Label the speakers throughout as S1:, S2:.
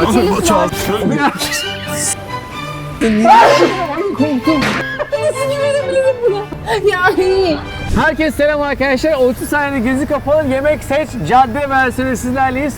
S1: Çal.
S2: Korktum. Nasıl güvenebilirim buna? Yani.
S1: Herkese selam arkadaşlar. 30 saniyede gözü kapalı yemek seç cadde versiyonu sizlerleyiz.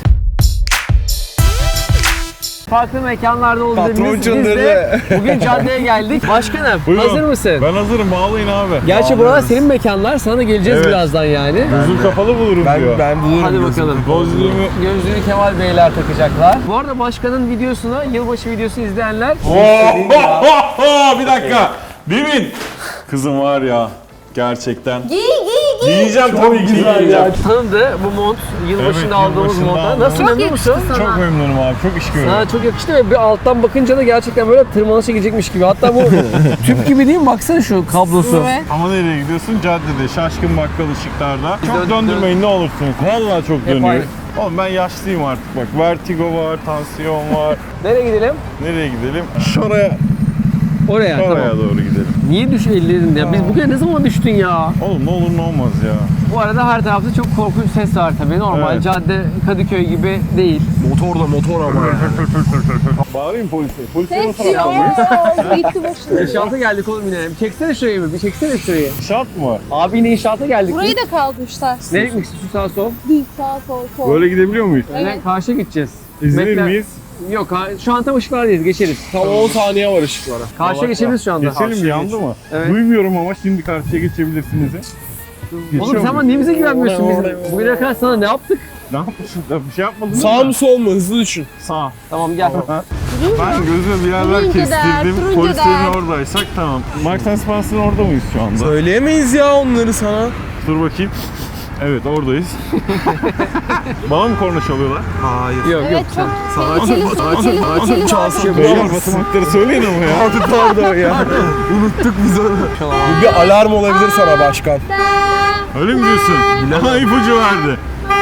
S1: Farklı mekanlarda olduğumuz biz de bugün caddeye geldik. Başkanım
S3: Buyurun.
S1: hazır mısın?
S3: Ben hazırım, bağlayın abi.
S1: Gerçi buralar senin mekanlar, sana da geleceğiz
S3: Evet.
S1: birazdan yani.
S3: Gözüm kapalı bulurum diyor.
S2: Ben bulurum.
S1: Hadi bakalım.
S3: Gözlüğümü...
S1: Kemal Beyler takacaklar. Bu arada başkanın videosuna, yılbaşı videosunu izleyenler...
S3: Bir dakika. Demin. Kızım var ya, gerçekten.
S2: Giy.
S3: Giyeceğim tabii ki giyeceğim.
S1: Tanıdı bu mont, yılbaşında
S3: Evet,
S1: aldığımız
S3: yılbaşında
S1: monta.
S3: aldım.
S1: Nasıl,
S2: Çok
S1: memnun musun?
S2: yakıştı sana.
S3: Çok memnunum abi, çok iş görüyorum.
S1: Sana çok yakıştı ve bir alttan bakınca da gerçekten böyle tırmanışa gidecekmiş gibi. Hatta bu tüp gibi değil mi? Baksana şu kablosu.
S2: Evet.
S3: Ama nereye gidiyorsun? Caddede, şaşkın bakkal ışıklarda. Çok
S1: Dön-
S3: döndürmeyin ne olursunuz. Vallahi çok
S1: Hep
S3: dönüyor.
S1: aynı.
S3: Oğlum ben yaşlıyım artık bak. Vertigo var, tansiyon var.
S1: Nereye gidelim?
S3: Nereye gidelim? Şuraya
S1: Oraya. Tamam.
S3: doğru gidelim.
S1: Niye düş ellerin ya? Biz bugün ne zaman düştün ya?
S3: Oğlum ne olur ne olmaz ya.
S1: Bu arada her tarafta çok korkunç ses var tabii. Normal
S3: Evet.
S1: cadde Kadıköy gibi değil.
S2: Motor ama.
S3: Bağırayım polise. Polise
S2: Ses
S3: nasıl
S2: yok.
S3: yapalım?
S2: Gitti başına.
S1: İnşaata geldik oğlum yine. Bir çeksene şurayı mı? Bir çeksene şurayı.
S3: Şart mı?
S1: Abi yine inşaata geldik.
S2: Burayı da kaldırmışlar.
S1: Nereye gitmek istiyorsun sağ sol?
S2: Düz sağ sol.
S3: Böyle gidebilir miyiz?
S2: Evet.
S1: Evet. Karşıya gideceğiz.
S3: İzlenir
S1: Bekle.
S3: miyiz?
S1: Yok şu an tam ışıklardayız, geçeriz.
S2: Tam 10 saniye var ışıklara.
S1: Karşıya geçebiliriz şu anda.
S3: Geçelim yandı mı?
S1: Evet.
S3: Duymuyorum ama şimdi karşıya geçebilirsiniz.
S1: Oğlum sen bana niye bize güvenmiyorsun bizim? Bugüne kadar sana ne yaptık?
S3: Ne yapmışsın? Bir şey yapmadın
S2: Sağ
S3: mı?
S2: mı sol mu? Hızlı düşün.
S3: Sağ.
S1: Tamam gel.
S3: Ben gözüme bir yerler
S2: Turuncu der,
S3: kestirdim.
S2: turuncu
S3: Polislerin
S2: der.
S3: oradaysak tamam. Marks Spencer'ın orada mıyız şu anda?
S2: Söyleyemeyiz ya onları sana.
S3: Dur bakayım. Evet oradayız. Bana mı korna çalıyorlar?
S2: Hayır.
S1: Yok
S2: Evet
S1: yok sen.
S2: çok tehlikeli. Çalsın.
S3: Beyler basamakları söyleyin ama ya.
S2: Pardon ya. Unuttuk biz onu. Bu bir alarm olabilir sana başkan.
S3: Öyle mi diyorsun? Aha ipucu verdi.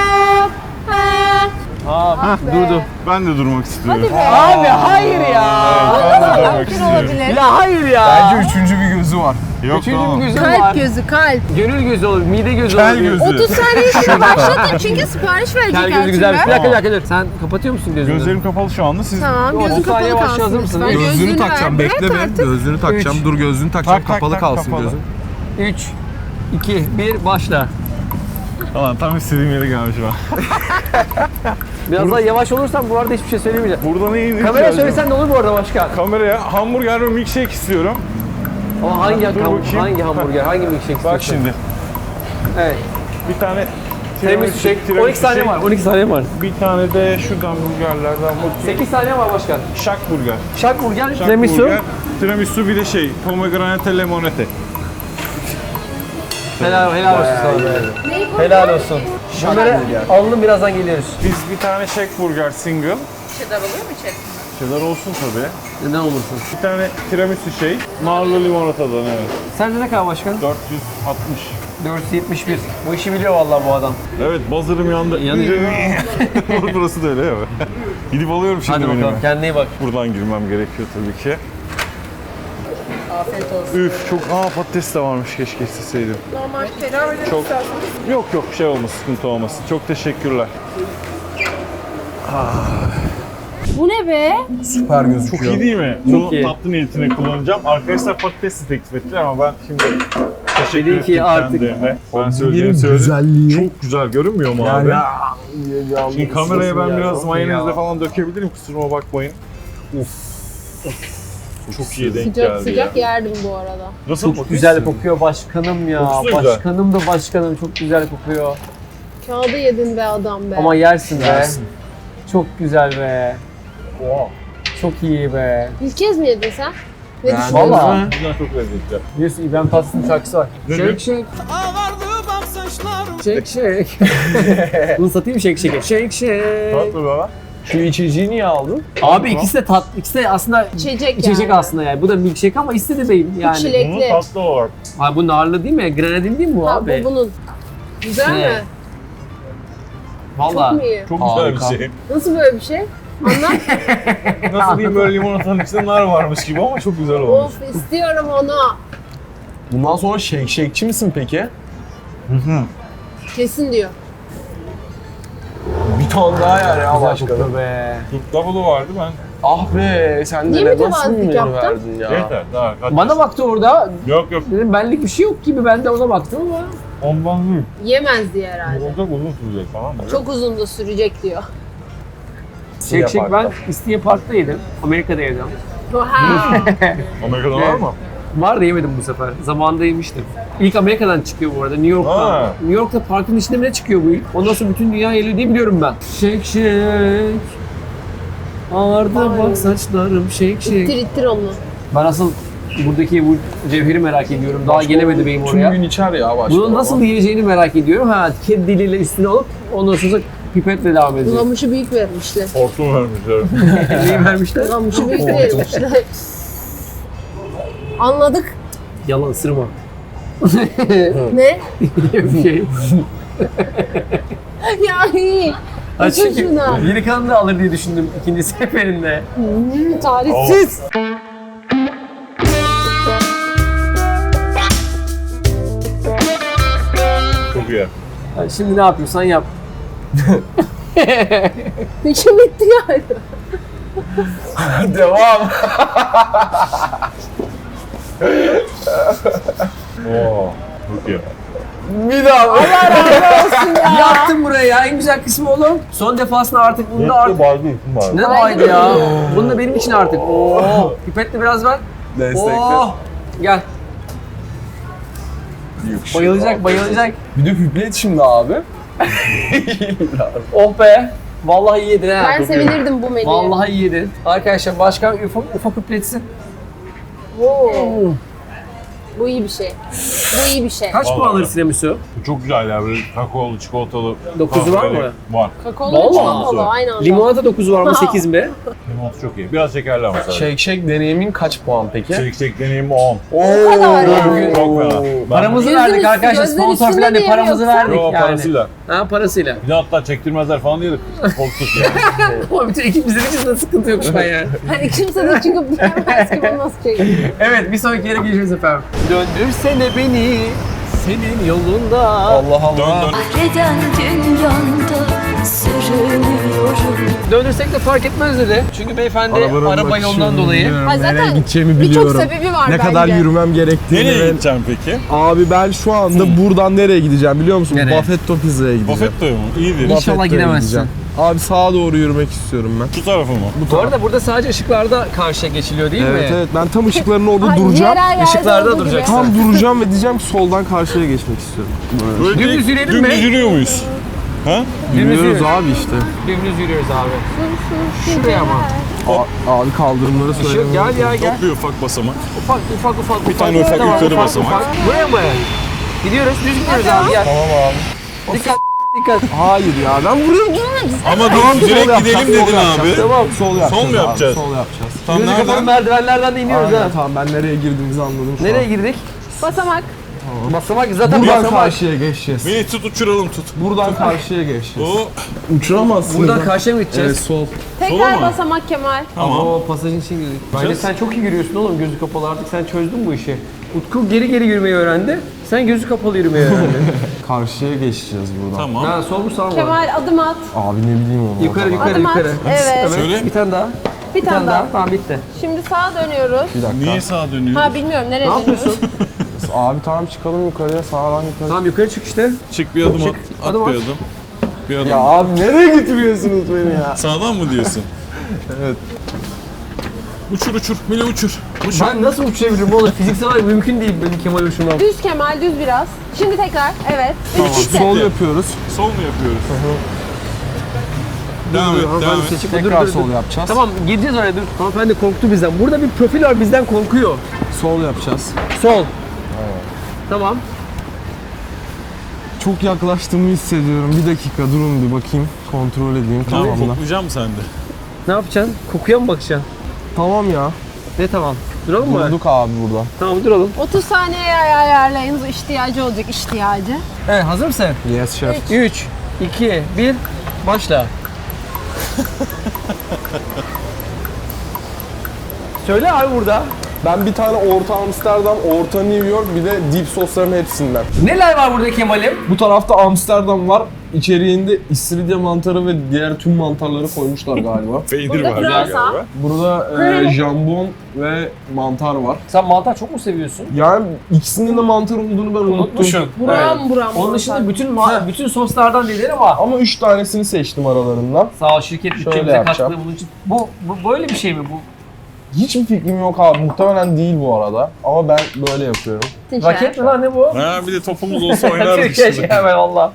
S1: Aa durdu.
S3: Ben de durmak istiyorum.
S1: Abi hayır ya.
S3: Ben de durmak istiyorum.
S1: Ya hayır ya.
S2: Üçüncü bir gözü var.
S3: Yok
S1: Üçüncü
S3: tamam.
S1: bir gözüm var.
S4: Kalp gözü, kalp.
S1: Gönül gözü olur, mide gözü
S3: Kel
S1: olur.
S3: gözü.
S4: 30 saniye içinde başlatın çünkü sipariş verecek
S1: Kel gözü
S4: her
S1: güzel. Bir
S4: türlü.
S1: dakika bir dakika dur. Sen kapatıyor musun gözünü?
S3: Gözlerim kapalı şu anda. Siz
S4: Tamam, gözün
S1: 30 saniye
S4: kapalı
S1: başla, hazır
S4: kalsın
S1: mısın?
S4: lütfen.
S2: Gözlüğünü
S4: ver,
S2: takacağım.
S4: bırak
S2: Bekle be.
S4: artık.
S2: Gözlüğünü takacağım.
S1: Üç.
S2: Dur gözlüğünü takacağım.
S3: Tak, tak,
S2: Kapalı
S3: tak,
S2: kalsın
S3: kapalı.
S2: gözün.
S1: 3, 2, 1 başla.
S3: Ulan tam istediğim yere gelmiş ben.
S1: Biraz daha yavaş olursan bu arada hiçbir şey söylemeyeceğim.
S3: Burada ne yiyeyim?
S1: Kameraya söylesen ne olur bu arada başkan?
S3: Kameraya hamburger ve milkshake istiyorum.
S1: Ama hangi
S3: bakayım.
S1: hangi hamburger, hangi milkshake istiyorsun?
S3: Bak şimdi.
S1: Evet.
S3: Bir tane
S1: Tiramisu shake. 12 saniye var. 12 saniye var.
S3: Bir tane de şuradan burgerlerden bakayım.
S1: 8 saniye var başkan.
S3: Şak burger.
S1: Şak burger,
S3: Şak
S1: tiramisu.
S3: burger. Tiramisu bir de pomegranate limonete.
S1: Helal olsun sana. Helal olsun. Şunları alalım, birazdan geliyoruz.
S3: Biz bir tane shake burger single.
S4: Cheddar oluyor mu içerisinde?
S3: Cheddar olsun tabii.
S1: Ne olursun.
S3: Bir tane tiramisu şey. Narlı limonatadan evet.
S1: Sence ne kadar başkan?
S3: 460.
S1: 471. Bu işi biliyor vallahi bu adam.
S3: Evet buzzer'ım yandı.
S1: Yanıyor.
S3: Burası da öyle ya. Gidip alıyorum şimdi
S1: Hadi bakalım,
S3: menümü.
S1: kendine iyi bak.
S3: Buradan girmem gerekiyor tabii ki.
S4: Afiyet olsun.
S3: Üf çok patates de varmış keşke isteseydim.
S4: Normal ferah öyle
S3: Çok yok şey olmaz sıkıntı olmasın. Çok teşekkürler.
S4: Bu ne be?
S2: Süper
S3: Çok
S2: gözüküyor.
S3: iyi değil mi?
S1: Çok
S3: Bunu
S1: iyi.
S3: tatlı niyetine kullanacağım. Arkadaşlar patates de teklif ettiler ama ben şimdi teşekkür
S1: Dedin ki
S3: ettim
S1: artık-
S3: kendilerine. Ben söyleyeceğimi
S2: Yerin
S3: söyledim.
S2: güzelliği.
S3: Çok güzel görünmüyor mu abi? Şimdi kameraya ben biraz mayonezle falan dökebilirim kusuruma bakmayın. Çok iyi denk
S4: Sıcak
S3: geldi
S4: sıcak
S3: ya.
S4: yerdim bu arada.
S3: Nasıl
S1: Çok güzel kokuyor başkanım ya.
S3: Kokusu da güzel.
S1: Başkanım da başkanım, çok güzel kokuyor.
S4: Kağıdı yedin be adam be.
S1: Ama yersin be.
S2: Yersin.
S1: Çok güzel be. Çok iyi be.
S4: İlk kez mi yedin sen? Ne
S2: Yani-
S4: düşünüyorsun?
S1: Valla.
S3: Güzel çok lezzetli.
S1: Biliyorsun İbrahim Tatlıses'in şarkısı var.
S3: Ne
S1: Shake shake. Shake shake. Bunu satayım shake shake. Shake shake.
S3: Tatlı baba.
S2: Şu içeceği niye aldın?
S1: Abi ikisi de ikisi de aslında
S4: İçecek
S1: içecek
S4: yani.
S1: aslında yani. Bu da milkshake ama istedi değil yani.
S4: Çilek.
S3: Bunun
S4: Bekle.
S3: tatlı olarak.
S1: Abi bu narlı değil mi? Grenadin değil mi bu
S4: Ha,
S1: abi?
S4: bu bunun. Güzel
S1: Ne?
S4: mi?
S1: Valla.
S4: Çok mu iyi?
S3: Çok
S2: Harika.
S3: güzel bir şey.
S4: Nasıl böyle bir şey? Anlat.
S3: Nasıl diyeyim böyle limonatanın içinde nar varmış gibi ama çok güzel olmuş.
S4: Of istiyorum onu.
S2: Bundan sonra shake'çi misin peki?
S4: Kesin diyor.
S2: Bir ton daha yer ya başkanım.
S1: be.
S3: Türk double'ı vardı ben.
S2: Ah be sen
S4: Niye
S2: de nasıl
S4: mütevazılık
S2: bir menü
S4: yaptın?
S2: verdin ya.
S3: Yeter daha. kaç
S1: Bana baktı orada.
S3: Yok yok.
S1: Dedim benlik bir şey yok gibi. Ben de ona baktım ama.
S3: Ondan değil.
S4: Yemez diye herhalde.
S3: Olacak uzun sürecek falan mı?
S4: Çok uzun da sürecek diyor.
S1: Shake ben İstinye Park'ta yedim. Amerika'da yedim.
S4: Ha.
S3: Amerika'da var mı?
S1: Var da yemedim bu sefer. Zamanında yemiştim. İlk Amerika'dan çıkıyor bu arada, New York'tan.
S3: Ha.
S1: New York'ta parkın içinde mi ne çıkıyor bu ilk? Ondan sonra bütün dünya geliyor diye biliyorum ben. Shake shake. Ağardı bak saçlarım shake
S4: İttir
S1: shake.
S4: ittir onu.
S1: Ben asıl buradaki bu cevheri merak ediyorum. Daha gelemedi benim
S2: Tüm
S1: oraya.
S2: gün içer ya başkanım.
S1: Bunu nasıl yiyeceğini merak ediyorum. Ha, kedi diliyle üstüne alıp ondan sonra pipetle devam edecek.
S4: Ulamışı büyük vermişler.
S3: Hortum vermişler.
S1: Neyi vermişler?
S4: Ulamışı büyük vermişler. Anladık.
S1: Yalan ısırma.
S4: Ne?
S1: Bir şey.
S4: Ya iyi.
S1: Ha,
S4: Bütün
S1: çünkü
S4: şuna.
S1: geri kalanı da alır diye düşündüm ikinci seferinde.
S4: Tarihsiz.
S3: Çok iyi.
S1: Ha, şimdi ne yapıyorsan yap.
S4: İçim bitti yani.
S2: Devam.
S3: Oo. Çok iyi.
S2: Bir daha.
S1: Yaptım buraya ya, en güzel kısmı oğlum. Son defasında artık bunu da artık...
S3: Baydı için vardı.
S1: Ne baydı ya? Bunu da benim için artık. Oo. Pipetle biraz ver.
S2: Destekle.
S1: Oo. Gel. Bayılacak, bayılacak.
S2: Bir de piplet şimdi abi.
S1: Oh be. Vallahi iyi yedin ha.
S4: Ben sevinirdim bu menüye.
S1: Vallahi iyi yedin. Arkadaşlar başkan ufak pipletsin.
S4: Oo. Bu iyi bir şey. Bu iyi bir şey.
S1: Kaç
S3: Vallahi.
S1: puan alırsın Emisu?
S3: Bu çok güzel ya böyle kakaolu, çikolatalı.
S1: 9'u var
S3: kahveli.
S1: mı?
S3: Var.
S4: Kakaolu
S1: Vallahi.
S4: çikolatalı aynı anda.
S1: Limonata 9'u var mı 8 mi?
S3: Limonata çok iyi. Biraz şekerli ama sadece.
S2: Shake Shack deneyimin kaç puan peki?
S3: Shake deneyim 10.
S4: O kadar yani.
S3: Çok fena. Ben-
S1: Paramızı
S4: Gözün
S1: verdik
S4: üstü-
S1: arkadaşlar.
S4: gözün
S1: Sponsor
S4: üstünde
S1: falan diye
S4: diye
S1: paramızı
S4: yoksa?
S1: verdik
S3: Yo,
S1: yani.
S3: parasıyla.
S1: Ha, parasıyla.
S3: Bir de hatta çektirmezler falan diye de korktuk yani.
S1: Ama bütün ekip bizde hiç de sıkıntı yok şu an yani.
S4: Hani kimse de çıkıp bilemez ki bu nasıl şey.
S1: Evet, bir sonraki yere geçiyoruz efendim. Döndürsene beni senin yolunda.
S2: Allah Allah.
S3: Dön dön.
S5: Neden dünyanda sürünüyorum?
S1: Döndürsek de fark etmez dedi. Çünkü beyefendi araba yolundan dolayı.
S4: Ha, zaten
S2: nereye gideceğimi
S4: birçok
S2: biliyorum.
S4: sebebi var
S2: Ne kadar
S4: bence.
S2: yürümem gerektiğini.
S3: Nereye
S2: ve-
S3: gideceğim peki?
S2: Abi ben şu anda buradan nereye gideceğim biliyor musun?
S1: Nereye?
S2: Buffetto Pizza'ya gideceğim.
S3: Buffetto'ya mı? İyidir.
S1: İnşallah
S2: Buffetto'ya
S1: gidemezsin.
S2: gideceğim. Abi sağa doğru yürümek istiyorum ben.
S3: Şu tarafı mı?
S1: Bu arada burada sadece ışıklarda karşıya geçiliyor değil
S2: Evet
S1: mi?
S2: evet ben tam ışıkların orada
S4: Ay,
S2: duracağım.
S4: yerel yerde
S1: Işıklarda
S4: olduğu gibi.
S1: duracaksın.
S2: Tam duracağım ve diyeceğim ki soldan karşıya geçmek istiyorum. Böyle.
S3: Böyle
S1: Dümdüz
S3: direkt
S1: yürüyelim mi?
S3: Dümdüz yürüyor muyuz? Ha?
S2: Yürüyoruz
S1: yürüyoruz.
S2: abi işte.
S1: Dümdüz yürüyoruz abi. Şuraya ama.
S2: Abi kaldırımları
S1: Işık
S2: söyleyeyim.
S1: gel ya gel.
S3: Çok bir ufak basamak.
S1: Ufak.
S3: Bir tane ufak yukarı basamak.
S1: Buraya mı? Gidiyoruz, düz gidiyoruz abi gel.
S2: Tamam abi.
S1: Dikkat.
S2: Hayır ya ben buraya gideceğim.
S3: Ama dur direkt gidelim dedin abi.
S2: Tamam sol yapacağız.
S3: Sol mu
S2: abi,
S3: yapacağız?
S2: Sol yapacağız.
S3: Tam
S1: Gözü kapalı
S3: nereden?
S1: merdivenlerden de iniyoruz
S2: Aynen,
S1: ha.
S2: tamam ben nereye girdiğimizi anladım şu
S1: Nereye
S2: an.
S1: girdik?
S4: Basamak.
S1: Basamak zaten
S2: Buradan
S1: basamak.
S2: karşıya geçeceğiz.
S3: Beni tut uçuralım tut.
S2: Buradan karşıya geçeceğiz.
S3: O
S2: Uçuramazsın.
S1: Buradan karşıya mı
S2: Evet
S1: gideceğiz?
S2: sol.
S4: Tekrar
S3: mı?
S4: basamak Kemal.
S3: tamam.
S1: O pasajın için girdik. Bence sen çok iyi yürüyorsun oğlum, gözü kapalı, artık sen çözdün bu işi. Utku geri yürümeyi öğrendi. Sen gözü kapalı yürümeyi öğrendin.
S2: Karşıya geçeceğiz buradan.
S3: Tamam.
S1: Ha, sol mu sağ mı?
S4: Kemal adım at.
S2: Abi ne bileyim onu.
S1: Yukarı
S4: Adım at.
S1: yukarı.
S4: Evet.
S3: Söyle.
S1: Bir tane daha.
S4: Bir tane daha.
S1: Tamam bitti.
S4: Şimdi sağa dönüyoruz.
S2: Bir dakika.
S3: Niye sağa dönüyoruz?
S4: Ha bilmiyorum nereye
S1: Ne
S4: dönüyoruz.
S1: yapıyorsun?
S2: Abi tamam çıkalım yukarıya sağdan yukarı.
S1: Tamam yukarı çık işte.
S3: Çık bir adım at. At
S1: Adım
S3: bir
S1: at.
S3: adım. Bir adım.
S2: Ya abi nereye götürüyorsunuz beni ya?
S3: Sağdan mı diyorsun?
S2: Evet.
S3: Uçur uçur. Mine uçur. Uçur.
S1: Ben nasıl uçabilirim oğlum? Fiziksel olarak mümkün değil benim Kemal uçurmam.
S4: Düz Kemal düz biraz. Şimdi tekrar. Evet. Üç
S2: Sol yapıyoruz.
S3: Sol mu yapıyoruz? Devam et, devam et.
S2: Tekrar sol yapacağız.
S1: Tamam gireceğiz oraya, dur. Hanımefendi korktu bizden. Burada bir profil var, bizden korkuyor.
S2: Sol yapacağız.
S1: Sol. Tamam.
S2: Çok yaklaştığımı hissediyorum. Bir dakika durun bir bakayım. Kontrol edeyim
S3: Tamam,
S2: kafamda.
S3: koklayacağım sen de.
S1: Ne yapacaksın? Kokuya mı bakacaksın?
S2: Tamam ya.
S1: Ne tamam? Duralım mı?
S2: Durduk abi burada.
S1: Tamam duralım.
S4: 30 saniyeye ayarlayınız. İhtiyacı olacak ihtiyacı.
S1: Evet, hazır mısın?
S2: Yes şef.
S1: 3, 2, 1, başla. Söyle abi burada.
S2: Ben bir tane orta Amsterdam, orta New York bir de dip sosların hepsinden.
S1: Neler var burada Kemal'im?
S2: Bu tarafta Amsterdam var. içeriğinde istiridye mantarı ve diğer tüm mantarları koymuşlar galiba.
S3: Peynir
S4: Burada
S3: var
S4: pırasa.
S3: galiba.
S2: Burada jambon ve mantar var.
S1: Sen mantar çok mu seviyorsun?
S2: Yani ikisinin de mantar olduğunu ben unuttum.
S1: Unutmuşum.
S4: Buram buram.
S1: Onun dışında bütün soslardan neler ama
S2: Ama 3 tanesini seçtim aralarından.
S1: sağ ol şirket
S2: Şöyle
S1: bütçemize
S2: yapacağım.
S1: katkıda bunun için. Bu böyle bir şey mi bu?
S2: Hiçbir fikrim yok abi. Muhtemelen değil bu arada. Ama ben böyle yapıyorum.
S1: Raket mi lan ne bu?
S3: Ha bir de topumuz olsa oynardık
S1: Türkiye
S3: işte.
S1: hemen valla.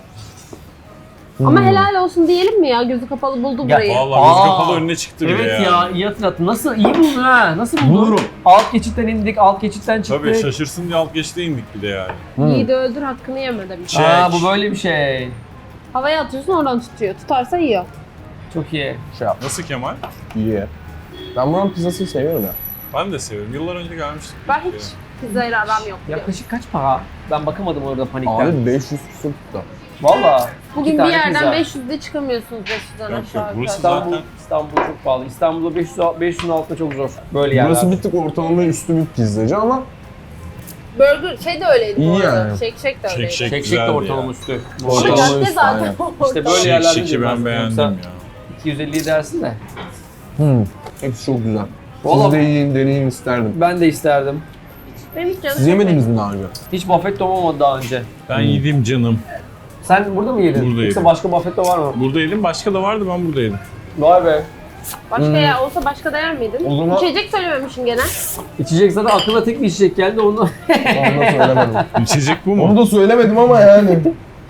S4: Ama helal olsun diyelim mi ya? Gözü kapalı buldu
S1: Ya,
S4: burayı.
S3: Vallahi göz kapalı önüne çıktı bile
S1: Evet
S3: ya.
S1: ya iyi hatırlattın. Nasıl iyi buldun ha? Nasıl buldun?
S2: Bulurum.
S1: Alt geçitten indik, alt geçitten çıktık.
S3: Tabii şaşırsın diye alt geçte indik bir de yani.
S4: Yiğidi öldür hakkını yeme demiş.
S1: Aa bu böyle bir şey.
S4: Havaya atıyorsun oradan tutuyor. Tutarsa yiyor.
S1: Çok iyi.
S2: Şey yap.
S3: Nasıl Kemal?
S2: İyi. Ben buranın pizzasını seviyorum ya.
S3: Ben de seviyorum. Yıllar önce gelmiştik.
S4: Ben hiç pizzayla aram yok.
S1: Yaklaşık kaç para? Ben bakamadım orada panikten.
S2: Abi 500 küsur tuttu.
S1: Valla.
S4: Bugün
S1: İki
S4: bir
S1: tane
S4: yerden
S1: pizza.
S4: 500'de çıkamıyorsunuz 500'den
S3: Yok,
S4: aşağı.
S3: yok, burası
S4: yukarı.
S1: İstanbul,
S3: Zaten-
S1: İstanbul çok pahalı. İstanbul'da 500'ün altında çok zor. Böyle yerler.
S2: Burası bir tık ortalama üstü bir pizzacı ama
S4: Burger şey de öyleydi
S2: İyi
S4: bu arada.
S2: yani.
S4: Shake de öyleydi.
S3: Shake
S1: Tek
S3: güzeldi
S1: de ortalama
S3: ya.
S1: üstü.
S2: Bu
S4: Ama
S2: ortalama
S4: cadde
S2: üstü,
S4: zaten
S2: aynen.
S1: İşte böyle
S3: Shake
S1: yerlerde
S3: Shake'i ben beğendim ya.
S1: 250 dersin de.
S2: Hepsi çok güzel.
S1: Vallahi-
S2: Siz de yiyin, deneyin isterdim.
S1: Ben de isterdim.
S4: Benim hiç canım
S2: Siz yemediniz mi daha önce?
S1: Hiç buffet olmadı daha önce.
S3: Ben yedim canım.
S1: Sen burada mı yedin?
S3: Burada
S1: Yoksa
S3: yedim.
S1: başka buffet var mı?
S3: Burada yedim. Başka da vardı ben burada yedim.
S1: Vay be.
S4: Başka yer olsa başka da yer miydin?
S2: O zaman-
S4: İçecek söylememişsin gene.
S1: İçecek zaten aklına tek bir içecek geldi onu.
S2: Onu da söylemedim.
S3: İçecek bu mu?
S2: Onu da söylemedim ama yani.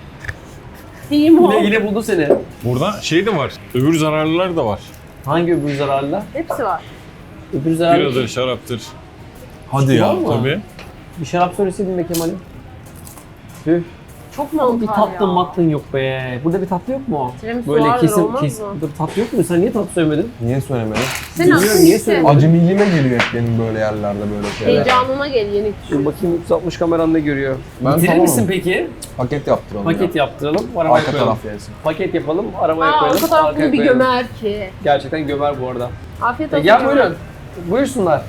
S4: İyiyim o.
S1: yine buldu seni.
S3: Burada şey de var. Öbür zararlılar da var.
S1: Hangi öbür zararlı?
S4: Hepsi var.
S1: Öbür zararlı.
S3: Biradır, şaraptır.
S2: Hadi
S1: Var
S2: ya.
S1: mı?
S3: Tabii.
S1: Bir şarap söyleseydin be Kemal'im. Tüh.
S4: Çok mantar
S1: Bir
S4: ya.
S1: tatlın matlın yok be. Burada bir tatlı yok mu?
S4: Tiramisu
S1: Böyle
S4: vardır,
S1: kesin
S4: olmaz
S1: kesin.
S4: mı?
S1: Burada bir tatlı yok mu? Sen niye tatlı söylemedin?
S2: Niye söylemedim?
S4: Sen
S1: Bilmiyorum,
S4: aslında
S1: niye
S4: iyisin.
S1: söylemedin?
S2: Acemiliğime geliyor hep benim böyle yerlerde böyle şeyler.
S4: Heyecanına gel yenik
S1: Dur
S4: düşün.
S1: bakayım 360 kameran ne görüyor?
S2: Ben
S1: Bitirir
S2: tamamım.
S1: misin peki?
S2: Paket yaptıralım
S1: Paket
S2: ya.
S1: yaptıralım, arabaya
S2: Arka
S1: koyalım.
S2: taraf yersin.
S1: Paket yapalım, arabaya
S4: Aa,
S1: koyalım.
S4: o kadar
S1: arkaya
S4: bunu bir
S1: koyalım.
S4: gömer ki.
S1: Gerçekten gömer bu arada.
S4: Afiyet olsun.
S1: Gel
S4: Kemal.
S1: buyurun. Buyursunlar.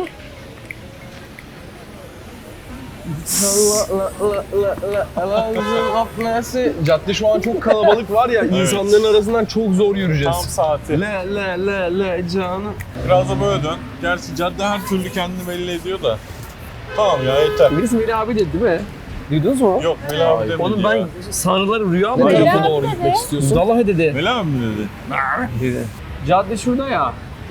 S2: Cadde şu an çok kalabalık var ya, insanların arasından çok zor yürüyeceğiz.
S3: Tam saati.
S2: Le canım.
S3: Biraz da böyle dön. Gerçi cadde her türlü kendini belli ediyor da. Tamam ya yeter.
S1: Birisi Melih abi dedi değil mi? Duydunuz mu?
S3: Yok Melih abi demedi
S1: Oğlum
S3: ya.
S1: ben sanrılarım rüya mı?
S2: Ne
S4: Melih
S2: tarafa
S4: abi
S2: doğru
S4: dedi.
S2: gitmek istiyorsun?
S1: Vallahi dedi.
S3: Melih abi mi dedi?
S1: Dedi. Cadde şurada ya.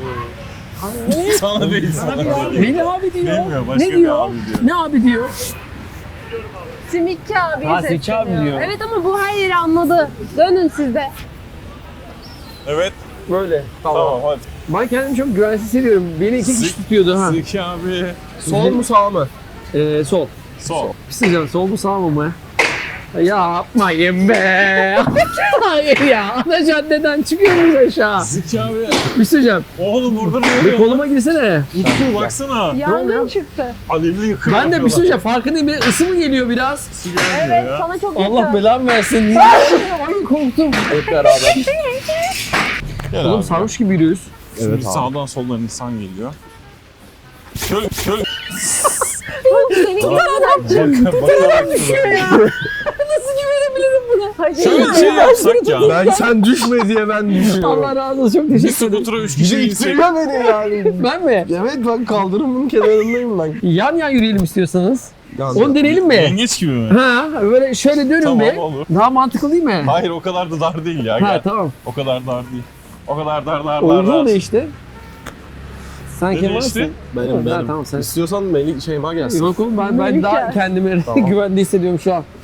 S3: Sana değil sana.
S1: Melih abi diyor.
S3: Bilmiyor başka
S1: Ne
S3: bir
S1: diyor?
S3: abi diyor.
S1: Ne abi diyor?
S4: Simitçi abi.
S1: Ha, simitçi abi diyor.
S4: Evet ama bu her yeri anladı. Dönün siz de.
S3: Evet.
S1: Böyle.
S3: Tamam hadi.
S1: Ben kendimi çok güvensiz hissediyorum. Beni iki kişi tutuyordu ha.
S3: Zeki abi.
S2: Sol mu sağ mı?
S1: Sol.
S3: Sol.
S1: Bir şey diyeceğim, sol mu sağ mı mı? Ya yapmayın be. Hayır ya. Ana caddeden çıkıyoruz aşağı.
S3: Zeki abi.
S1: Bir şey diyeceğim.
S3: Oğlum burada ne
S1: Bir
S3: oluyor?
S1: koluma girsene.
S3: Utku baksana.
S4: Yangın çıktı.
S3: Alevli yıkıyor.
S1: Ben de bir şey diyeceğim. Farkındayım. Bir ısı mı geliyor biraz?
S4: Evet sana çok yakın.
S1: Allah belamı versin. Ay korktum. Hep beraber.
S3: Gel
S1: Oğlum
S3: abi.
S1: sarhoş gibi yürüyoruz.
S3: Şimdi
S2: Evet abi.
S3: sağdan soldan insan geliyor. Köl.
S4: Senin kadar
S3: düşüyor
S4: ya. Nasıl güvenebilirim buna? Hadi.
S3: Şöyle bir şey yapsak ya.
S2: Ben sen düşme diye ben düşüyorum.
S1: Allah razı olsun. Çok
S3: Bir
S1: teşekkür ederim.
S3: skutura 3
S2: Bir
S3: kişi
S2: de
S3: insek.
S2: ittiriyor beni yani.
S1: Ben mi?
S2: Evet ben kaldırımın kenarındayım ben.
S1: Yan yan yürüyelim istiyorsanız.
S2: Yani,
S1: Onu deneyelim mi?
S3: Yengeç gibi mi?
S1: Ha, böyle şöyle dönün
S3: Tamam
S1: bir.
S3: olur.
S1: Daha mantıklı değil mi?
S3: Hayır o kadar da dar değil ya.
S1: Ha
S3: Gel.
S1: tamam.
S3: O kadar dar değil. O kadar dar.
S1: Uygun değişti. Sen
S3: Ne
S1: kim
S3: değişti?
S1: varsın?
S2: benim.
S1: Ha, tamam sen.
S2: İstiyorsan Melih Şeyma gelsin.
S1: Yok oğlum ben
S4: Melih
S1: daha
S4: gel.
S1: kendimi
S2: Tamam.
S1: güvende hissediyorum şu an.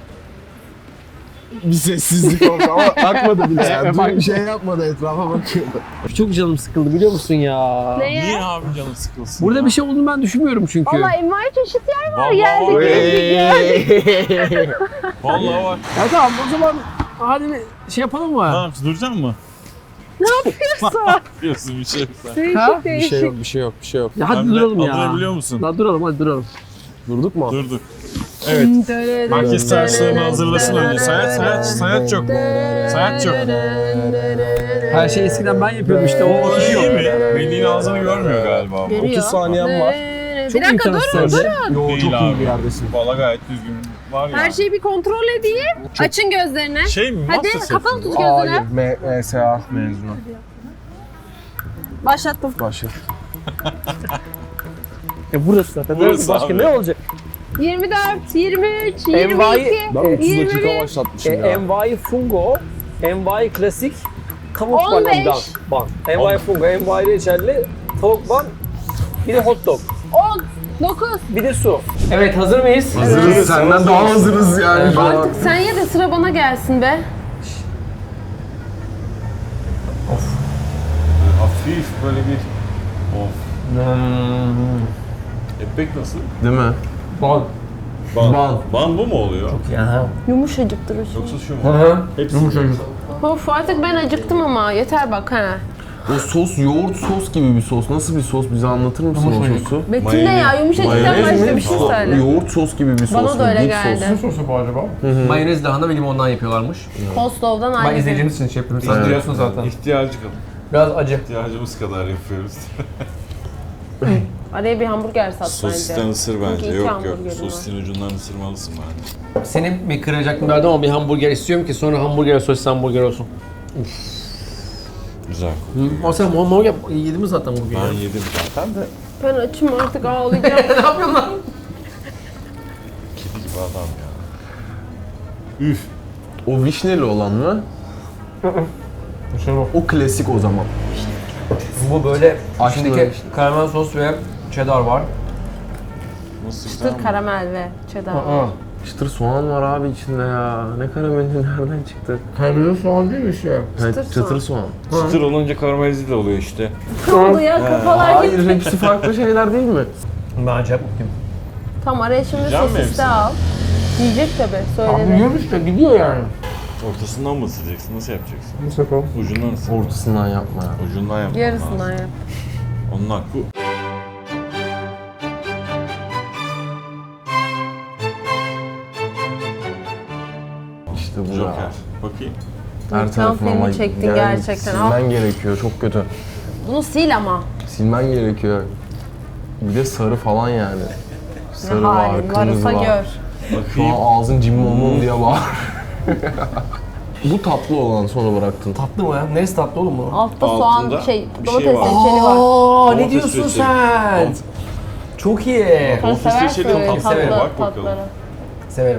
S2: Bir sessizlik oldu ama bakmadı bile yani.
S1: Bak-
S2: Bir şey yapmadı, etrafa bakıyordu.
S1: Çok canım sıkıldı biliyor musun ya?
S4: Neye?
S3: Niye abi canın sıkılsın
S1: Burada
S3: ya?
S1: bir şey olduğunu ben düşünmüyorum çünkü.
S4: Valla envai çeşit yer var.
S3: Vallahi
S4: Geldik
S3: var.
S4: geldik.
S3: Vallahi var.
S1: Ya tamam o zaman hadi bir şey yapalım
S3: Ne
S1: mı?
S3: yapıyorsun? Duracak mı?
S4: Yapıyorsun.
S3: Yapıyorsun bir şey sen.
S1: Ha?
S4: Değişik
S2: Bir şey
S4: değişik.
S2: yok, bir şey yok, bir şey yok.
S1: Ya hadi
S3: Sen de
S1: duralım
S3: adını
S1: ya.
S3: biliyor musun?
S1: Daha duralım hadi duralım.
S2: Durduk mu?
S3: Durduk. Evet. Herkes terslerini hazırlasın önce. Sayat çok. Sayat çok.
S1: Her şey eskiden ben yapıyordum işte o
S3: O
S1: kişi
S3: iyi
S1: yok.
S3: mi? Melih'in ağzını görmüyor galiba. ama.
S4: Görüyor.
S2: 30 saniyem var.
S4: Bir dakika durun durun.
S2: Yo,
S3: Değil
S2: çok iyi
S3: abi.
S2: bir yerdesin.
S3: Valla gayet düzgün var ya.
S4: Her şeyi bir kontrol edeyim. Açın gözlerini.
S3: Şey mi?
S4: Hadi
S3: Masterchef
S4: kapalı
S3: mi?
S4: tut gözünü.
S2: Hayır, MSA mezunu.
S4: Başlattım.
S2: Başla.
S1: Burası zaten.
S3: Burası
S1: Başka
S3: abi.
S1: ne olacak?
S4: 24, 23,
S1: Envai-
S4: 22,
S2: Ben 30
S4: 21,
S2: dakika başlatmışım ya.
S1: Envai Fungo, Envai Klasik, tavuk
S4: 15.
S1: ban. Envai Fungo, Envai reçelli, tavuk ban, bir de hot dog,
S4: 10, 9.
S1: bir de su. Evet, hazır mıyız?
S2: Hazırız. Senden daha hazırız yani şu an.
S4: Artık sen ye de sıra bana gelsin be.
S3: Hafif böyle bir... Of. Ekmek nasıl?
S2: Değil mi?
S1: Ban.
S3: Ban. Ban bu mu oluyor?
S1: Ya.
S4: Yumuşacıktır o şey.
S3: Yoksa şu mu? Hepsi
S4: Of artık ben acıktım ama yeter bak ha.
S2: O sos yoğurt sos gibi bir sos. Nasıl bir sos? Bize anlatır mısın o sosu?
S4: Metin ne ya yumuşacıktan başka bir şey söyle.
S2: Yoğurt sos gibi bir sos.
S4: Bana da öyle
S2: Dip
S4: geldi.
S2: sos.
S1: Sosu bu acaba? Mayonez, lahana ve limondan yapıyorlarmış.
S4: Kostov'dan
S1: Ben
S4: ayrı.
S1: izleyicimiz için şey yapıyorum. Siz
S2: Evet.
S1: biliyorsunuz zaten.
S3: İhtiyacı kadar.
S1: Biraz acı.
S3: İhtiyacımız kadar yapıyoruz.
S4: Araya bir hamburger sat
S3: Sosisten
S4: bence.
S3: ısır
S4: Çünkü
S3: bence.
S4: iki
S3: Yok
S4: hamburgerim var.
S3: Sosisin ucundan ısırmalısın bence.
S1: Senin bir kıracaklığın vardı ama bir hamburger istiyorum ki sonra hamburger sosis hamburger olsun.
S3: Güzel.
S1: O sen hamburger yedin mi zaten bugün?
S3: Ben yedim zaten de.
S4: Ben açım artık ağlayacağım.
S1: Ne yapıyorsun lan?
S3: Kedi gibi adam ya. Üf.
S2: O vişneli olan mı? O klasik o zaman.
S1: Bu böyle
S2: Açlı
S1: içindeki
S2: böyle.
S1: karamel sos ve cheddar var.
S3: Nasıl güzel
S4: Çıtır
S3: mi?
S4: karamel ve cheddar.
S2: Çıtır soğan var abi içinde ya. Ne karameli nereden çıktı?
S1: Karamel soğan değil mi şey?
S2: Çıtır soğan.
S3: Çıtır olunca karamelize de oluyor işte.
S4: Ne oldu ya kafalar
S2: Hayır
S4: gitti.
S2: hepsi farklı şeyler değil mi?
S1: Ben acayip mutluyum.
S4: Tam araya şimdi
S3: Yiyeceğim mi
S4: sosis de
S3: hepsini?
S4: al. Yiyecek tabii söyledi.
S1: Yiyorum işte gidiyor yani.
S3: Ortasından mı ısıracaksın? Nasıl yapacaksın?
S1: Nasıl yapalım?
S3: Ucundan ısır.
S2: Ortasından yapma ya.
S3: Ucundan yap.
S4: Yarısından yap.
S3: Onun hakkı.
S2: İşte bu ya.
S3: Joker. Bakayım.
S2: Her
S4: Reklam
S2: tarafına
S4: filmi
S2: ama
S4: çektin
S2: yani
S4: gerçekten.
S2: silmen gerekiyor çok kötü.
S4: Bunu sil ama.
S2: Silmen gerekiyor. Bir de sarı falan yani. Sarı
S4: Ne
S2: var,
S4: halin
S2: kırmızı
S4: varsa
S2: var.
S4: gör.
S2: Şu an ağzın cimmomum diye bağır. Bu tatlı olan sonra bıraktın.
S1: Tatlı mı ya? Neresi tatlı oğlum bu?
S4: Altta
S3: Altında
S4: soğan
S3: bir şey
S4: domates
S3: var.
S4: reçeli var.
S1: Aa, ne
S3: Domates
S1: diyorsun
S3: reçeli.
S1: sen? Çok iyi.
S4: Sen
S3: Domates
S4: seversin
S3: reçeli
S4: öyle
S3: tatlı.
S1: Severim.
S3: Bak bakalım.
S4: tatları.
S1: Severim.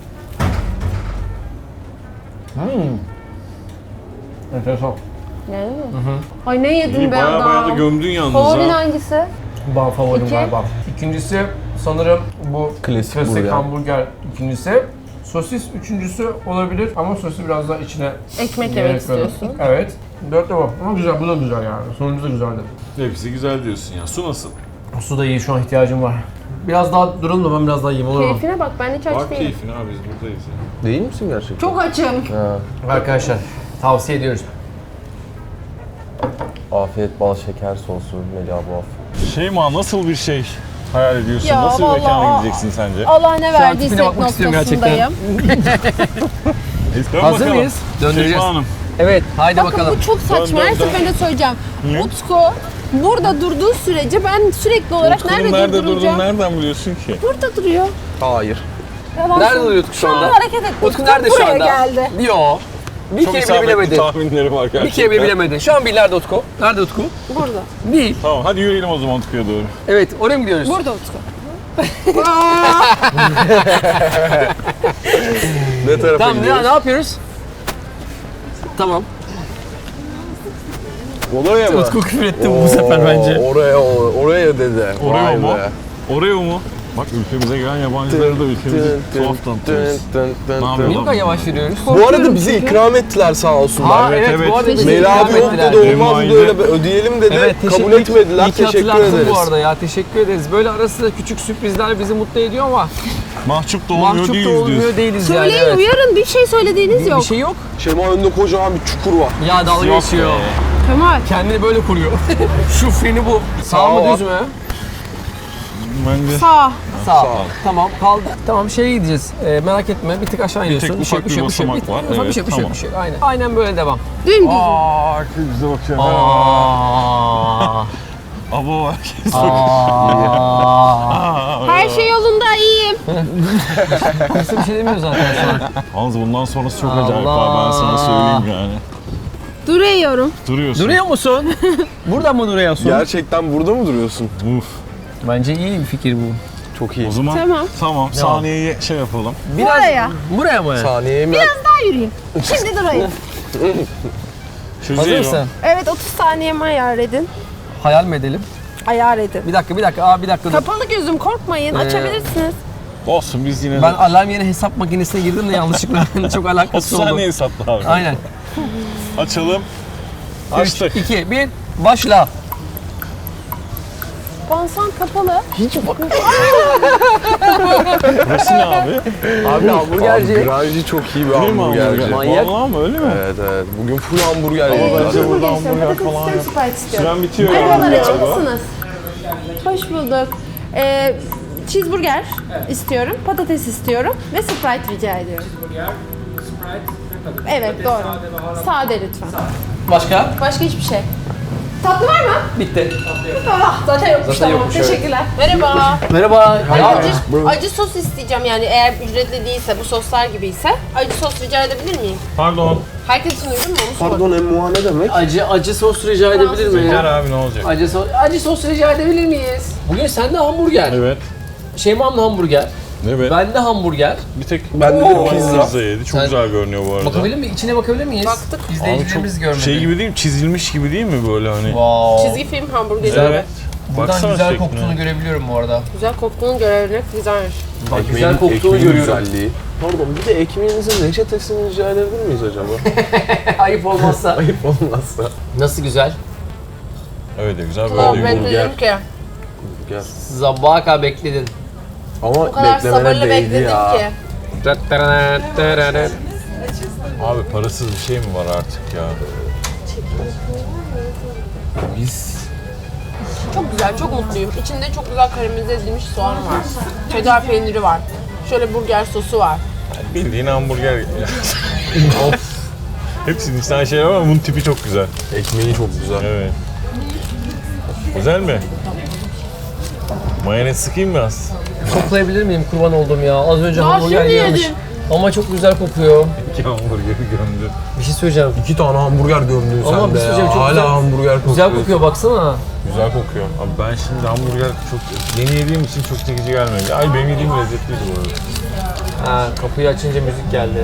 S1: Enteresan.
S4: Yani mi? Ay ne yedin
S3: İyi
S4: be
S3: baya baya da
S4: adam.
S3: gömdün yalnız
S4: Favorin
S3: ha.
S4: hangisi?
S1: Ben favorim
S4: İki.
S1: galiba. İkincisi sanırım bu
S2: Klasik burger.
S1: hamburger ikincisi. Sosis üçüncüsü olabilir ama sosu biraz daha içine
S4: Ekmek
S1: gerek
S4: yemek
S1: verdim.
S4: istiyorsun.
S1: Evet. Dört de bu. Ama güzel, bu da güzel yani. Sonuncu da güzeldi.
S3: Hepsi güzel diyorsun ya. Su nasıl?
S1: Su da iyi, şu an ihtiyacım var. Biraz daha duralım da ben biraz daha yiyeyim olur mu?
S4: Keyfine bak ben hiç aç
S3: Bak
S4: değilim.
S3: keyfine abi biz buradayız ya.
S2: Değil misin gerçekten?
S4: Çok açım.
S2: Ha.
S1: Arkadaşlar tavsiye ediyoruz.
S2: Afiyet bal şeker sosu Melih abla.
S3: Şeyma nasıl bir şey hayal ediyorsun?
S4: Ya
S3: Nasıl bir mekana
S4: vallahi-
S3: gideceksin sence?
S4: Allah ne
S1: tipine
S4: verdiyse
S1: bakmak istiyorum
S4: noktasındayım.
S3: Dön
S1: Hazır
S3: bakalım.
S1: mıyız? Döndüreceğiz.
S3: Şeyma Hanım.
S1: Evet, haydi
S4: Bakın
S1: bakalım.
S4: bu çok saçma.
S3: Dön,
S4: Her
S3: dön, dön.
S4: seferinde söyleyeceğim.
S3: Niye?
S4: Utku burada durduğu sürece ben sürekli olarak
S3: Utku'nun
S4: nerede durduracağım?
S3: nereden biliyorsun ki?
S4: Burada duruyor.
S2: Hayır.
S4: Yalan
S1: Nerede
S4: söylüyor.
S1: duruyor Utku şu anda?
S4: Hareket etti.
S1: Utku nerede şu
S4: buraya
S1: anda?
S4: geldi.
S1: Yo. Bir
S3: Çok
S1: kere bile
S3: isabetli
S1: bilemedi.
S3: tahminlerim var gerçekten.
S1: Bir kere bile bilemedi. Şu an bir nerede Utku? Nerede Utku?
S4: Burada.
S1: Değil.
S3: Tamam hadi yürüyelim o zaman Utku'ya doğru.
S1: Evet, oraya mı gidiyoruz?
S4: Burada Utku.
S2: Ne tarafa
S1: Tamam,
S2: gidiyoruz?
S1: ne yapıyoruz? Tamam.
S2: Oraya mı?
S1: Utku küfür etti bu sefer bence.
S2: Oraya dedi.
S3: Oraya
S2: Vay
S3: mı?
S2: be.
S3: Oraya mu? Bak ülkemize gelen yabancıları da ülkemizi tuhaf tanıtıyoruz. Ne yapıyor
S1: Niye bu
S3: lan
S1: kadar yavaş yürüyoruz?
S2: Bu arada bize ikram ettiler sağ olsunlar.
S1: Evet,
S3: evet.
S1: bu arada bize
S2: Melih
S1: ikram
S2: abi yok
S1: ettiler.
S2: dedi, olmaz
S3: Benim
S2: böyle
S3: aile-
S2: ödeyelim dedi.
S1: Evet,
S2: kabul etmediler.
S1: İyi ki
S2: Teşekkür
S1: hatırlattın
S2: ederiz.
S1: bu arada ya, teşekkür ederiz. Böyle arasında küçük sürprizler bizi mutlu ediyor ama
S3: Mahcup da olmuyor
S1: mahcup da
S3: değiliz diyorsun.
S1: olmuyor değiliz yani.
S4: Söyleyin
S1: Evet.
S4: uyarın bir şey söylediğiniz yok.
S1: Bir şey yok.
S2: Şema önünde kocaman bir çukur var.
S1: Ya dalga
S3: Yok
S1: geçiyor.
S3: be.
S4: Kemal.
S1: Kendini böyle kuruyor. Şu freni bu. Sağ
S2: Sağ
S1: mı
S2: ol.
S1: düz mü?
S3: Bence
S4: Sağ.
S1: Sağ. Tamam kaldı. Tamam şeye gideceğiz. Merak etme bir tık aşağı iniyorsun.
S3: tek ufak bir basamak var.
S1: Ufak bir
S3: Evet,
S1: şey, bir şey,
S3: tamam.
S1: bir şey. Aynen. Aynen böyle devam.
S4: Dümdüz.
S3: Aa, bize bakıyor.
S1: Aa.
S3: Abo
S4: Her şey yolunda, iyiyim.
S1: Kimse bir şey demiyor zaten şu an.
S3: Yalnız bundan sonrası çok acayip abi, ben sana söyleyeyim yani.
S4: Duruyorum.
S3: Duruyorsun.
S1: Duruyor musun? Burada mı duruyorsun?
S2: Gerçekten burada mı duruyorsun?
S3: Uf.
S1: Bence iyi bir fikir bu.
S2: Çok iyi.
S3: O zaman
S4: Tamam.
S3: saniyeyi şey yapalım.
S4: Buraya.
S1: Buraya mı?
S2: Saniyeye mi?
S4: Daha yürüyeyim. Şimdi durayım.
S3: Şu
S1: Hazır
S3: değil
S1: mısın?
S4: Evet, 30 saniyemi ayar edin.
S1: Hayal mi edelim?
S4: Ayar edin.
S1: Bir dakika. Aa bir dakika dur.
S4: Kapalı gözüm, korkmayın. Açabilirsiniz.
S3: Olsun biz yine
S1: Ben alarm yerine hesap makinesine girdim de yanlışlıkla çok
S3: 30
S1: alakası oldu.
S3: saniye hesapla abi.
S1: Aynen.
S3: Açalım.
S1: 3,
S3: Açtık.
S1: 2, 1, başla.
S4: Konsan kapalı.
S3: Burası ne abi?
S1: Abi hamburgerci.
S2: Granji çok iyi bir
S3: Değil mi
S2: hamburgerci.
S1: Manyak.
S3: Vallahi mi öyle mi?
S2: Evet. Bugün full hamburger
S3: Ama
S2: yedik.
S3: bence burada
S4: Patates
S3: hamburger
S4: istiyorum,
S3: falan
S4: patates
S3: yok.
S4: Sprite istiyorum.
S3: Süren bitiyor
S4: Merhabalar,
S3: yani
S4: açık
S3: galiba.
S4: mısınız? Hoş bulduk. Cheeseburger istiyorum, patates istiyorum ve Sprite rica ediyorum. Evet, doğru. Sade lütfen.
S1: Başka?
S4: Başka hiçbir şey. Tatlı var mı?
S1: Bitti.
S4: Zaten yokmuş,
S1: Zaten
S4: tamam.
S1: yokmuş, evet.
S4: Teşekkürler. Merhaba.
S1: Merhaba.
S4: Acı sos isteyeceğim, yani eğer ücretli değilse, bu soslar gibi ise acı sos rica edebilir miyim?
S3: Pardon.
S4: Herkes için uygun mu? Onu sorun.
S2: Pardon emmuha ne demek?
S1: Acı sos rica edebilir miyim?
S3: Gel abi ne olacak?
S1: Acı sos rica edebilir miyiz? Bugün sende hamburger.
S3: Evet.
S1: Şeyma'nın hamburger.
S3: Evet.
S1: Bende hamburger.
S3: Bir tek
S2: Bende de pizza.
S3: pizza yedi. Çok
S1: Sen-
S3: güzel görünüyor bu arada.
S1: Bakabilir miyiz? İçine bakabilir miyiz?
S4: Baktık.
S3: Abi
S1: İzleyicilerimiz
S3: çok
S1: görmedi.
S3: şey gibi değil mi? Çizilmiş gibi değil mi böyle hani?
S1: Wow.
S4: Çizgi film hamburgeri.
S3: Evet.
S1: Buradan
S3: Baksana
S1: güzel
S3: şekline.
S1: koktuğunu görebiliyorum bu arada.
S4: Güzel koktuğunu görebilmek güzelmiş.
S1: Bak güzel koktuğunu
S2: ekmeğin
S1: görüyorum.
S2: güzelliği. Pardon bir de ekmeğinizin reçetesini rica edebilir miyiz acaba?
S1: Ayıp olmazsa.
S2: Ayıp olmazsa.
S1: Nasıl güzel?
S3: Evet güzel
S4: Tamam,
S3: böyle
S4: ben
S3: bir
S4: dedim ki
S2: Gel.
S1: Sabaha kadar bekledin.
S2: Ama
S4: o kadar
S2: beklemene
S4: sabırlı
S2: değdi
S4: bekledim
S2: ya.
S4: ki.
S3: Abi parasız bir şey mi var artık ya?
S2: Biz
S4: Çok güzel, çok mutluyum. İçinde çok güzel karamelize edilmiş soğan var. Cheddar peyniri var. Şöyle burger sosu var.
S3: Bildiğin hamburger. Hepsinin içten şeyler var ama bunun tipi çok güzel.
S2: ekmeği çok güzel.
S3: Evet. Güzel mi? Mayonez sıkayım mı az?
S1: Koklayabilir miyim kurban oldum ya? Az önce
S4: Daha
S1: hamburger
S4: şimdi
S1: yiyormuş.
S4: yedim.
S1: Ama çok güzel kokuyor.
S3: İki hamburgeri gömdü.
S1: Bir şey söyleyeceğim.
S2: 2 tane hamburger gömdün
S1: Ama
S2: sen
S1: bir
S2: de
S1: şey
S2: ya.
S1: söyleyeceğim, çok
S2: Hala
S1: güzel.
S2: hamburger kokuyor.
S1: Güzel kokuyor baksana.
S3: Güzel kokuyor. Abi ben şimdi hamburger çok yeni yediğim için çok çekici gelmedi. Ay benim yediğim lezzetliydi bu arada.
S1: Ha, kapıyı açınca müzik geldi.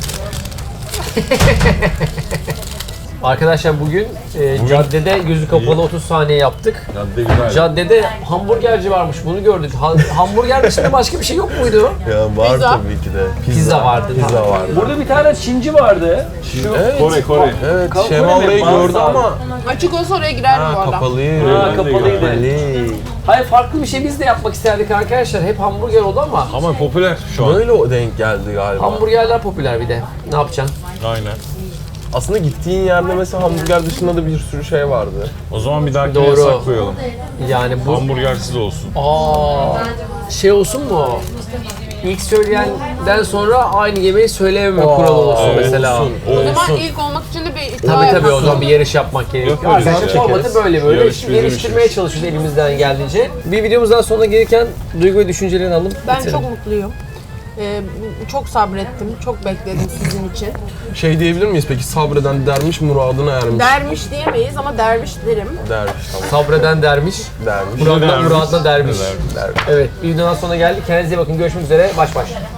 S1: Arkadaşlar bugün caddede gözü kapalı 30 saniye yaptık.
S3: Cadde güzel.
S1: Caddede hamburgerci varmış, bunu gördük. Hamburger dışında başka bir şey yok muydu?
S2: Ya var
S4: Pizza.
S2: tabii ki de.
S1: Pizza vardı.
S2: Pizza vardı.
S1: Burada bir tane Çinci vardı. Şu
S2: Evet.
S3: Kore.
S2: Evet,
S1: Kore
S2: Şema
S1: mi?
S2: orayı
S1: Bazı
S2: gördü
S1: abi.
S2: ama
S4: Açık olsa oraya girerdim bu arada.
S2: kapalıydı.
S1: Ha,
S3: Ben de
S1: kapalıydı.
S2: Kapalı.
S1: Hayır, farklı bir şey biz de yapmak isterdik arkadaşlar. Hep hamburger oldu ama
S3: Ama popüler şu an.
S2: Böyle o denk geldi galiba.
S1: hamburgerler popüler bir de. Ne yapacaksın?
S3: Aynen.
S2: Aslında gittiğin yerde mesela hamburger dışında da bir sürü şey vardı.
S3: O zaman bir dahaki
S1: Doğru.
S3: yasak koyalım.
S1: Yani bu...
S3: Hamburgersiz olsun.
S1: Şey olsun mu? İlk söyleyenden sonra aynı yemeği söylememe kuralı olsun
S3: evet.
S1: mesela.
S2: Olsun.
S4: O zaman
S2: Olsun.
S4: ilk olmak için de bir iddia
S1: Tabii o
S4: yaparsın.
S1: zaman bir yarış yapmak gerekiyor.
S3: Yok, öyle
S1: Arkadaşlar
S3: şey.
S1: formatı böyle
S3: Yarış
S1: Şimdi
S3: bizim
S1: geliştirmeye
S3: işimiz.
S1: çalışıyoruz elimizden geldiğince. Bir videomuzdan sonra gelirken duygu ve düşüncelerini alalım.
S4: Ben
S1: bitirelim.
S4: çok mutluyum. Çok sabrettim, çok bekledim sizin için.
S2: Şey diyebilir miyiz peki, sabreden dermiş muradına ermiş.
S4: Dermiş diyemeyiz ama derviş derim.
S2: Dermiş tamam.
S1: Sabreden dermiş,
S2: Dermiş.
S1: muradına dermiş.
S3: Dermiş.
S2: Dermiş.
S1: Evet, bir videodan sonra geldik. Kendinize iyi bakın. Görüşmek üzere. Baş baş.